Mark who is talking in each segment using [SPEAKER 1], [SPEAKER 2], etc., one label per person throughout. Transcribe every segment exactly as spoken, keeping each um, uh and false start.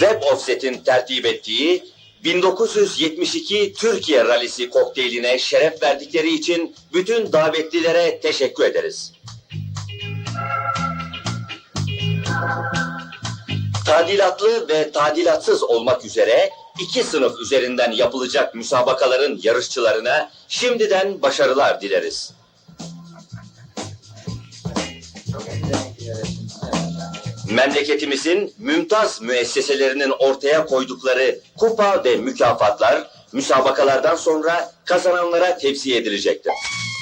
[SPEAKER 1] Web Offset'in tertip ettiği bin dokuz yüz yetmiş iki Türkiye Rallisi kokteyline şeref verdikleri için bütün davetlilere teşekkür ederiz. Tadilatlı ve tadilatsız olmak üzere iki sınıf üzerinden yapılacak müsabakaların yarışçılarına şimdiden başarılar dileriz. Memleketimizin mümtaz müesseselerinin ortaya koydukları kupa ve mükafatlar müsabakalardan sonra kazananlara tevsiye edilecektir.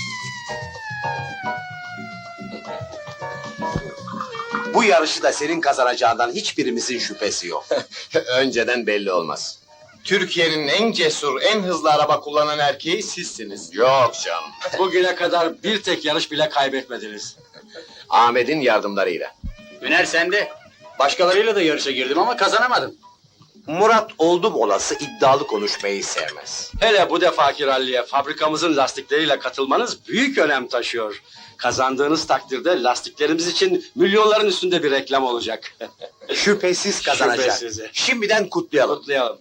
[SPEAKER 2] Bu yarışı da senin kazanacağından hiçbirimizin şüphesi yok.
[SPEAKER 3] Önceden belli olmaz. Türkiye'nin en cesur, en hızlı araba kullanan erkeği sizsiniz.
[SPEAKER 2] Yok canım.
[SPEAKER 4] Bugüne kadar bir tek yarış bile kaybetmediniz.
[SPEAKER 3] Ahmet'in yardımlarıyla.
[SPEAKER 4] Üner sende. Başkalarıyla da yarışa girdim ama kazanamadım.
[SPEAKER 2] Murat oldum olası iddialı konuşmayı sevmez.
[SPEAKER 4] Hele bu defaki ralliye fabrikamızın lastikleriyle katılmanız büyük önem taşıyor. Kazandığınız takdirde lastiklerimiz için milyonların üstünde bir reklam olacak.
[SPEAKER 2] Şüphesiz kazanacak.
[SPEAKER 4] Şüphesiz.
[SPEAKER 2] Şimdiden kutlayalım.
[SPEAKER 4] Kutlayalım.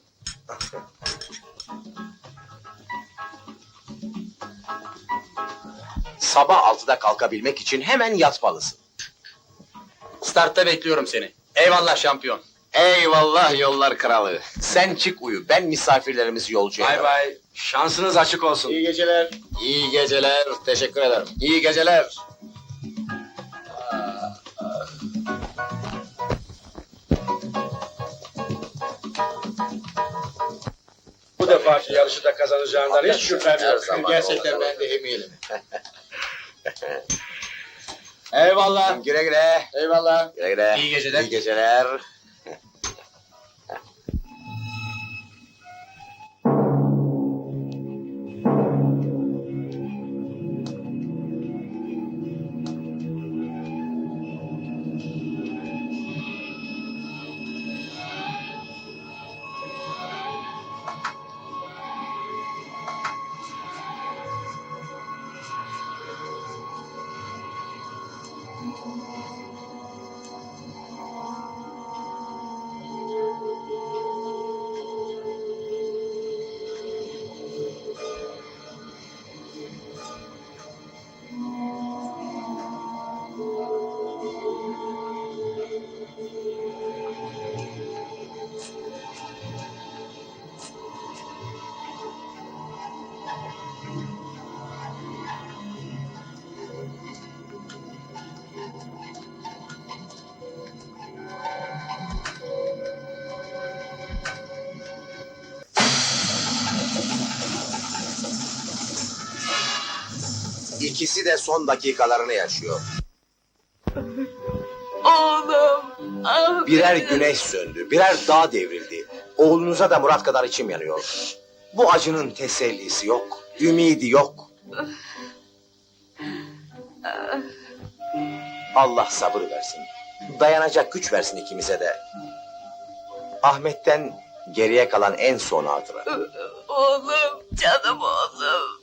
[SPEAKER 2] Sabah altıda kalkabilmek için hemen yatmalısın.
[SPEAKER 4] Startta bekliyorum seni. Eyvallah şampiyon.
[SPEAKER 3] Eyvallah yollar kralı.
[SPEAKER 2] Sen çık uyu, ben misafirlerimizi yolcu
[SPEAKER 4] Bay
[SPEAKER 2] ederim.
[SPEAKER 4] bay. Şansınız açık olsun.
[SPEAKER 3] İyi geceler. İyi geceler. Teşekkür ederim. İyi geceler.
[SPEAKER 4] Bu defaki yarışı da kazanacağından hiç şüphem
[SPEAKER 3] Her
[SPEAKER 4] yok.
[SPEAKER 3] zaman
[SPEAKER 4] Gerçekten
[SPEAKER 3] olur.
[SPEAKER 4] ben de eminim. Eyvallah.
[SPEAKER 2] Güle güle.
[SPEAKER 4] Eyvallah.
[SPEAKER 2] Güle güle.
[SPEAKER 4] İyi geceler.
[SPEAKER 2] İyi geceler. İkisi de son dakikalarını yaşıyor.
[SPEAKER 5] Oğlum. Ah
[SPEAKER 2] Birer
[SPEAKER 5] benim.
[SPEAKER 2] güneş söndü, birer dağ devrildi. Oğlunuza da Murat kadar içim yanıyor. Bu acının tesellisi yok, ümidi yok. Allah sabır versin. Dayanacak güç versin ikimize de. Ahmet'ten geriye kalan en son hatıra.
[SPEAKER 5] Oğlum. Canım oğlum.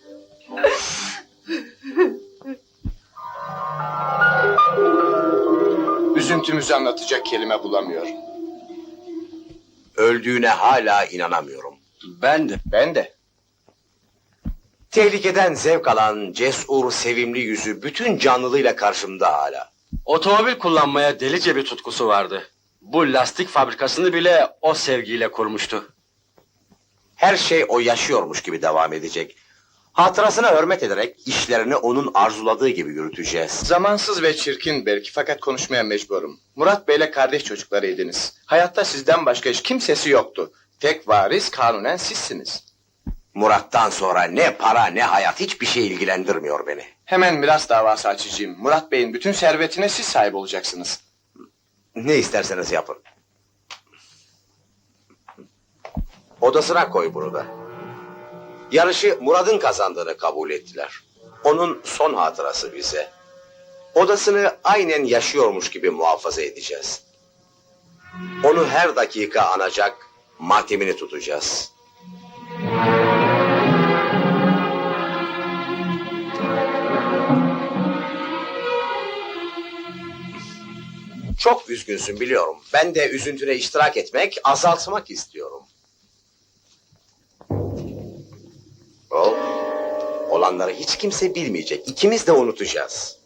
[SPEAKER 3] Üzüntümüzü anlatacak kelime bulamıyorum.
[SPEAKER 2] Öldüğüne hala inanamıyorum.
[SPEAKER 4] Ben de.
[SPEAKER 3] Ben de.
[SPEAKER 2] Tehlikeden zevk alan cesur, sevimli yüzü bütün canlılığıyla karşımda hala.
[SPEAKER 4] Otomobil kullanmaya delice bir tutkusu vardı. Bu lastik fabrikasını bile o sevgiyle kurmuştu.
[SPEAKER 2] Her şey o yaşıyormuş gibi devam edecek. Hatırasına hürmet ederek işlerini onun arzuladığı gibi yürüteceğiz.
[SPEAKER 3] Zamansız ve çirkin belki fakat konuşmaya mecburum. Murat Bey'le kardeş çocuklarıydınız. Hayatta sizden başka hiç kimsesi yoktu. Tek varis kanunen sizsiniz.
[SPEAKER 2] Murat'tan sonra ne para ne hayat hiçbir şey ilgilendirmiyor beni.
[SPEAKER 3] Hemen miras davası açacağım. Murat Bey'in bütün servetine siz sahip olacaksınız.
[SPEAKER 2] Ne isterseniz yapın. Odasına koy bunu da. Yarışı Murat'ın kazandığını kabul ettiler. Onun son hatırası bize. Odasını aynen yaşıyormuş gibi muhafaza edeceğiz. Onu her dakika anacak, matemini tutacağız. Çok üzgünsün biliyorum. Ben de üzüntüne iştirak etmek, azaltmak istiyorum. O, olanları hiç kimse bilmeyecek. İkimiz de unutacağız.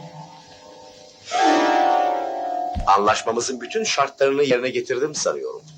[SPEAKER 2] Anlaşmamızın bütün şartlarını yerine getirdim sanıyorum.